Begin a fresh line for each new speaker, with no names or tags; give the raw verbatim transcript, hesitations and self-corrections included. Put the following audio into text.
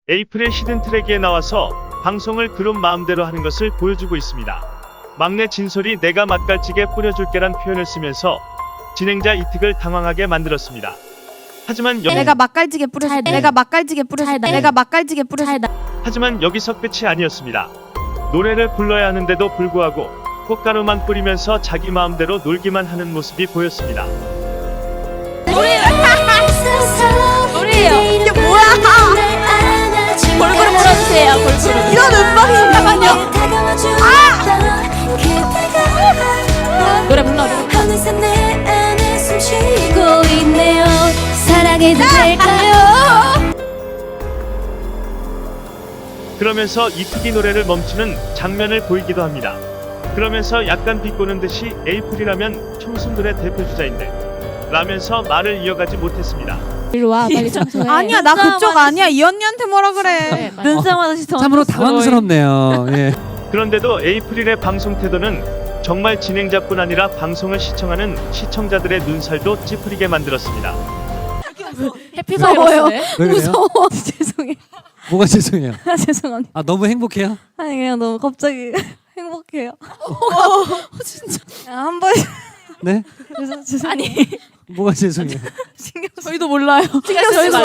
에이프릴 히든 트랙에 나와서 방송을 그룹 마음대로 하는 것을 보여주고 있습니다. 막내 진솔이 내가 맛깔찌개 뿌려줄게란 표현을 쓰면서 진행자 이특을 당황하게 만들었습니다. 하지만 여기
내가 맛깔지게 뿌려줄 내가 맛깔지게 뿌려줄 내가 맛깔지게 뿌려줄
하지만 여기서 끝이 아니었습니다. 노래를 불러야 하는데도 불구하고 꽃가루만 뿌리면서 자기 마음대로 놀기만 하는 모습이 보였습니다.
노래예요. 이게 뭐야? 골고루 불러주세요. 골고루. 이런 음방이 잠깐만요. 아! 노래 불러.
어느새 내 안에 숨쉬고 있네요. 사랑해도 될까요?
그러면서 이특이 노래를 멈추는 장면을 보이기도 합니다. 그러면서 약간 비꼬는 듯이 에이프릴이라면 청순들의 대표주자인데 라면서 말을 이어가지 못했습니다.
이리 와 빨리 청소해.
아니야 나 그쪽 아니야 이 언니한테 뭐라 그래.
눈싸움 하듯이
참으로 당황스럽네요. 예.
그런데도 에이프릴의 방송 태도는 정말 진행자뿐 아니라 방송을 시청하는 시청자들의 눈살도 찌푸리게 만들었습니다.
해피바이러스네.
왜 그래요?
무서워. 죄송해.
뭐가 죄송해요?
아, 죄송합니다.
아 너무 행복해요?
아니 그냥 너무 갑자기 행복해요. 어, 진짜. 한 번.
네?
죄송 죄송.
아니
뭐가 죄송해요?
신경
저희도 몰라요.
신경 쓰지